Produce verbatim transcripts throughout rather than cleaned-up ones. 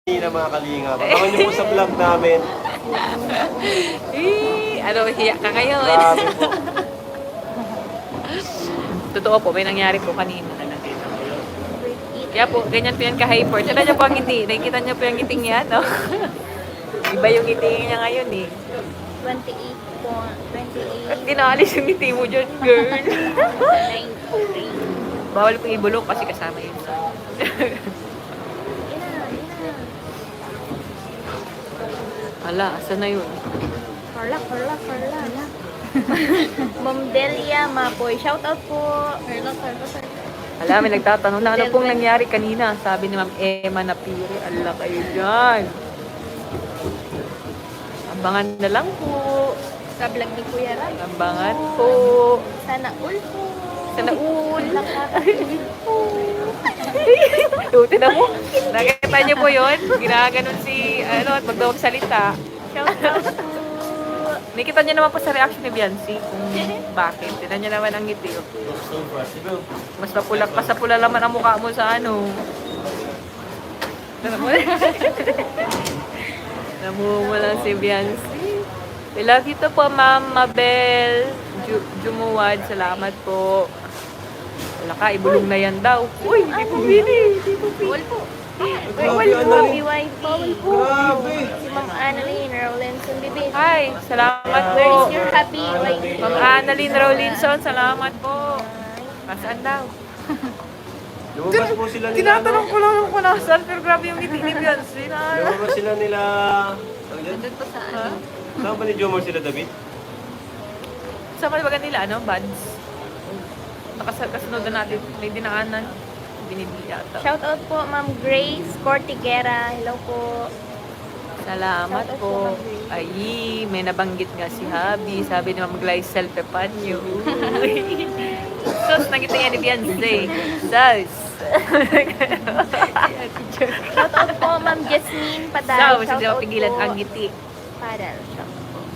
na mga kalingap. Abangan niyo po sa vlog namin. Eh, ano, hiya ka ngayon. Grabe po. Totoo po, may nangyari po kanina. Kaya po, ganyan po yan ka-hyper. Tignan niyo po ang ngiti. Nakikita niyo po yung ngiting yan, no? Iba yung ngiti niya ngayon, eh. twenty-eight po. twenty-eight. At ginaalis yung ngiti mo dyan, girl. nine three. Bawal po ibulok kasi kasama yun. Ina, ina. Hala, asa na yun? Carla, Carla, Carla. Ma'am Delia Mapoy. Shout out po. Carla, Carla, Carla. Hala, may nagtatanong na ano pong nangyari kanina. Sabi ni Ma'am Emma Napiri, ala kayo dyan. Ambangan na lang po. Sa vlog ni Kuya Ram. Ambangan po. Sana all po. Sana all. Nakakatuloy po. Tuti na mo. Nakita niyo po yun? Ginaganon si, ano, at magdawag salita. Shout out po. Nakita niyo naman po sa reaction ni Biancy kung bakit. Tinan niyo naman ang ngiti. Oh. Mas mapulak, mas napula naman ang mukha mo sa ano. Namumula si Biancy. I love you to po, Ma'am Mabel Ju Jumuwad. Salamat po. Wala ka, ibulong na yan daw. Uy, hindi po bini. Hindi po bini. All po. Grabe, All po. Annalyn. B Y P. Grabe. Si Ma'am Annalyn Rolenson Bibit. Hi, salamat Where po. is your happy Y P? Ma'am Annalyn Rowlinson, salamat po. Nasaan daw? Lumabas po sila nila. Tinatanong ko lang kung nasaan, pero grabe yung ngiti ni Beyonce. ano? Na, Lumabas sila nila. Ano yan? Doon po sa ha? ano? Saan ba ni Jomar sila, David? Sa kalibagan nila, ano? Buds. Nakasunod na natin. May dinaanan. Binibili yata. Shout out po Ma'am Grace Cortiguera. Hello po. Salamat Shout out po. po, Ma'am Grace. Ay, may nabanggit nga si Habi. Sabi ni Ma'am Glycel Pepanyo. Sus, nangiti nga ni Beyonce. Sus. Shout out po Ma'am Jasmine Padal. So, Shout hindi out mapigilan po. ang ngiti. Padal. Shout out po.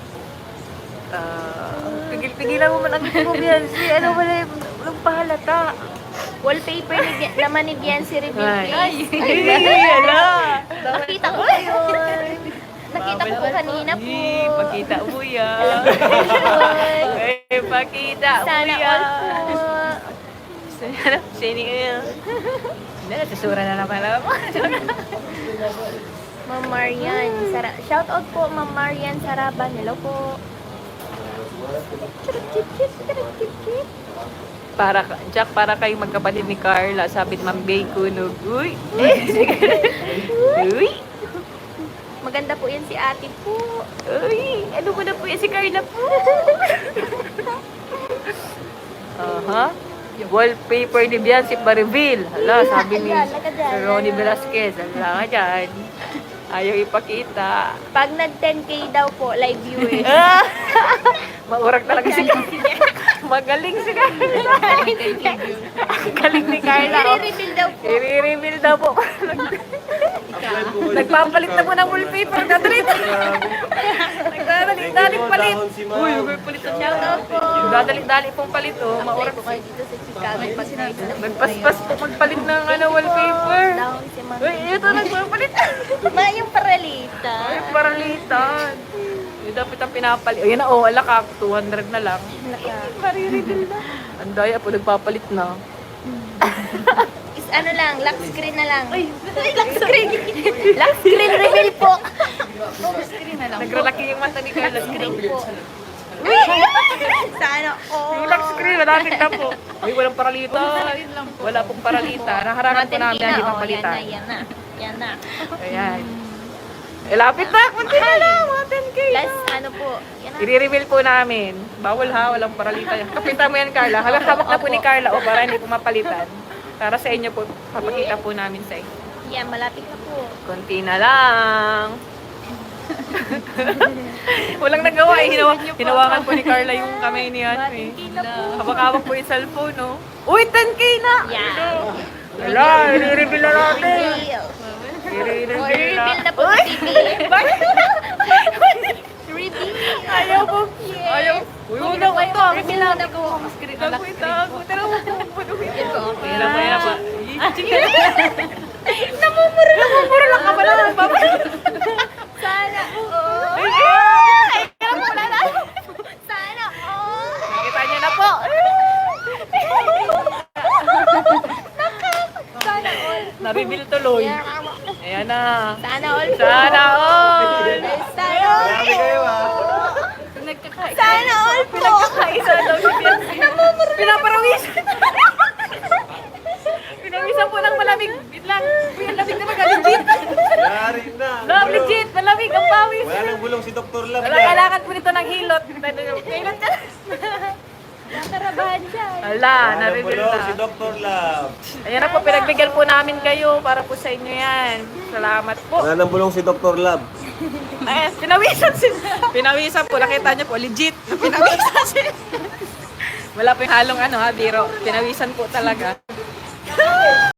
Ah, pigil-pigilan mo man ang ngiti mo, Beyonce. Ano wala yung walang pahalata. Wallpaper ni Bian- naman ni Biancy Reveal, Ay, please. ay, ala. Nakita ko yun. Nakita ko po kanina po. Ay, pakita mo yan. Alam ko yun. Ay, pakita mo Sana yan. all po. Sana, sini ka yan. Hindi, nasusura na naman lang ako. Ma'am Marian. Sara Shout out po Ma'am Marian Saraban. Hello po. Para, Jack, para kayo magkapatid ni Carla, sabi ni Ma'am Bay Kunog. Uy! Uy! Maganda po yan si ate po. Uy! Ano ko na po yan si Carla po? Aha. Wallpaper ni Beyonce pa-reveal. Hala, sabi ni Ala, ala ka dyan. Ronnie Velasquez. Hala ka dyan. Ayaw ipakita. Pag nag ten K daw po, live viewers. Ah! Maurag talaga si Magaling si Carla. Ang galing ni Carla. oh. I-reveal daw po. I-reveal daw po. Nagpapalit na po ng wallpaper. Dadalito. Nagdadalik-dalik palit. Si Uy, Ma'am. may palit na siya. Shout out po. Dadalik-dalik pong palit. Oh. Maurag Apply po kayo dito sa Chicago. Pag night na po Nagpaspas po magpalit ng ano, wallpaper. Down si Ma'am. Uy, ito nagpapalit. Ma, yung paralita. Ay, paralitan. Yung dapat ang pinapalit. Ayan na, oh, ala ka, two hundred na lang. Naka. Mariridil na. Ang daya po, nagpapalit na. Is ano lang, lock screen na lang. Ay, lock screen. Lock screen reveal po. Lock screen na lang. Nagralaki yung mata ni Carla. Screen po. Uy! Sana all. Yung lock screen, malapit na po. Uy, walang paralita. Wala pong paralita. Naharangan po namin, hindi oh, papalitan. yan na, yan na. Yan na. Ayan. Eh, lapit na. Kunti na lang. Mga ten K na. Plus, ano po, yan na. I-reveal po namin. Bawal ha, walang paralita. Kapitan mo yan, Carla. Halang hawak na po ni Carla o para hindi po mapalitan. Para sa inyo po, papakita po namin sa inyo. Yan, malapit na po. Konti na lang. Walang nagawa eh. Hinawa, hinawakan po ni Carla yung kamay ni ano eh. Hawak-hawak po yung cellphone, no? Uy, ten K na! Yan. Wala, i-reveal na natin. Reveal. Or I-reveal na. reveal na po Uy! si T V. Reveal. Ayaw po. Yes. Ayaw. Uy, Huwag una na ko kayo, to. reveal na po. Tago ito. Tara mo po. Yan po, okay. Mahirap, mahirap pa. Namumuro, namumuro lang ka pala. tuloy. Ayan na. Sana all po. Sana all. Sana all Grabe kayo ah. Nagkakaisa. Sana all po. Nagkakaisa daw si Biancy. Pinaparawisan. Pinawisan po ng malamig. Wait lang. Uy, ang lamig naman. Legit. Yari na. No, legit. Malamig ang pawis. Wala nang bulong si Doctor Love. Wala, yan. kailangan po nito ng hilot. Hilot ka. Nakarabahan siya. Ala, Wala nang na-reveal bulong si na. Doctor Love. Ayan na po, pinagbigyan po namin kayo para po sa inyo yan. Salamat po. Wala nang bulong si Doctor Love. Ayan, pinawisan si... Pinawisan po, nakita niyo po, legit. na Pinawisan si... Wala po yung halong ano ha, biro. Pinawisan po talaga.